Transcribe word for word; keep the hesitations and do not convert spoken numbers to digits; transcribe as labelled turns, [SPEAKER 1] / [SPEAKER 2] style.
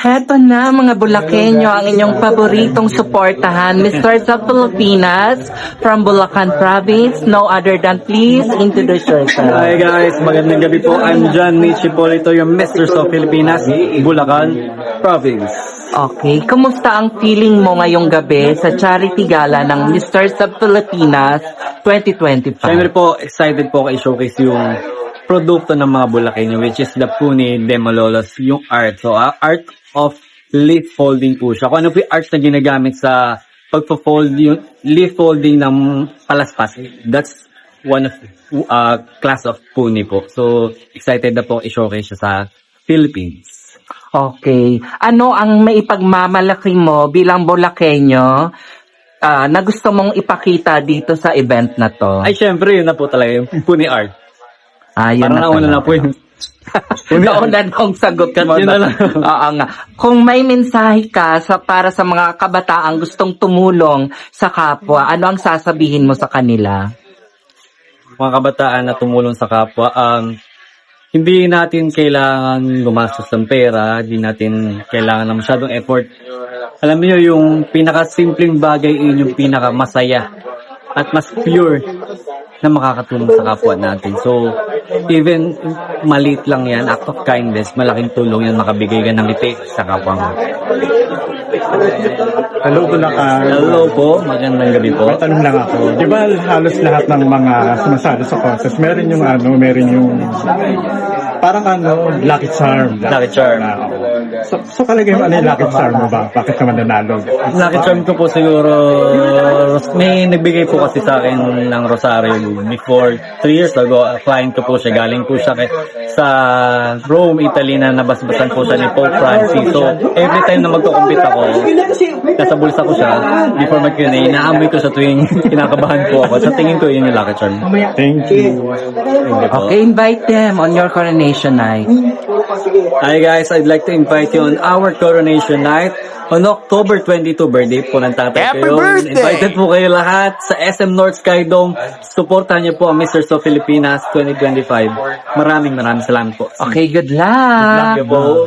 [SPEAKER 1] Heto na mga Bulakenyo, ang inyong paboritong suportahan, Mister sa Pilipinas from Bulacan Province. No other than please introduce yourself.
[SPEAKER 2] Hi guys, magandang gabi po. I'm John Mitch Hipolito, yung Mister sa Pilipinas, Bulacan Province.
[SPEAKER 1] Okay, kumusta ang feeling mo ngayong gabi sa charity gala ng Mister sa Pilipinas twenty twenty-five?
[SPEAKER 2] Siyempre po, excited po kayo showcase yung produkto ng mga Bulakenyo, which is the Puni de Malolos, yung art. So, uh, art of leaf folding po siya. Kung ano po yung art na ginagamit sa pagpo-fold, yung leaf folding ng palaspas, that's one of uh, class of Puni po. So, excited na po i-showcase siya sa Philippines.
[SPEAKER 1] Okay. Ano ang maipagmamalaki mo bilang Bulakenyo uh, na gusto mong ipakita dito sa event na to?
[SPEAKER 2] Ay, syempre, yun na po talaga yung Puni art.
[SPEAKER 1] Ah, yun
[SPEAKER 2] Parang
[SPEAKER 1] na
[SPEAKER 2] nauna
[SPEAKER 1] talaga.
[SPEAKER 2] na po yung
[SPEAKER 1] Naunan kong sagot mo.
[SPEAKER 2] Yun na lang.
[SPEAKER 1] Oo nga. Kung may mensahe ka sa, para sa mga kabataang gustong tumulong sa kapwa, ano ang sasabihin mo sa kanila?
[SPEAKER 2] Mga kabataan na tumulong sa kapwa, um, hindi natin kailangan gumastos ng pera, hindi natin kailangan ng masyadong effort. Alam niyo yung pinaka-simpleng bagay, yun yung pinaka-masaya at mas pure na makakatulong sa kapwa natin. So, even maliit lang yan, act of kindness, malaking tulong yan, makabigay ka ng ngiti sa kapwa mo.
[SPEAKER 3] Hello, Bulacan.
[SPEAKER 2] Hello po, magandang gabi po.
[SPEAKER 3] May tanong lang ako. Di ba halos lahat ng mga sumasali sa contest, meron yung ano, meron yung parang ano, lucky charm.
[SPEAKER 2] Lucky charm.
[SPEAKER 3] Na, oo. So, so kalagay mo ano yung lucky charm mo ba? Bakit ka mananalo?
[SPEAKER 2] Lucky charm ko po siguro, may nagbigay po kasi sa akin ng Rosario before three years ago. Client ko po siya, galing po siya kay, sa Rome, Italy na nabasbasan po siya ni Pope Francis. So, every time na magko-compete ako, nasa bulsa ko siya, before mag-Q and A, naamoy ko sa tuwing kinakabahan po ako. Sa tingin ko, yun yung lucky charm.
[SPEAKER 3] Thank you.
[SPEAKER 1] Okay, invite them on your coronation night.
[SPEAKER 2] Hi guys, I'd like to invite you on our coronation night on October twenty-second, birthday po ng tatay
[SPEAKER 1] Happy
[SPEAKER 2] ko.
[SPEAKER 1] birthday!
[SPEAKER 2] Invited po kayo lahat sa S M North Sky Dome. Supportahan niyo po ang Mister So Pilipinas twenty twenty-five. Maraming maraming salamat po.
[SPEAKER 1] Okay, good luck!
[SPEAKER 2] Thank you po.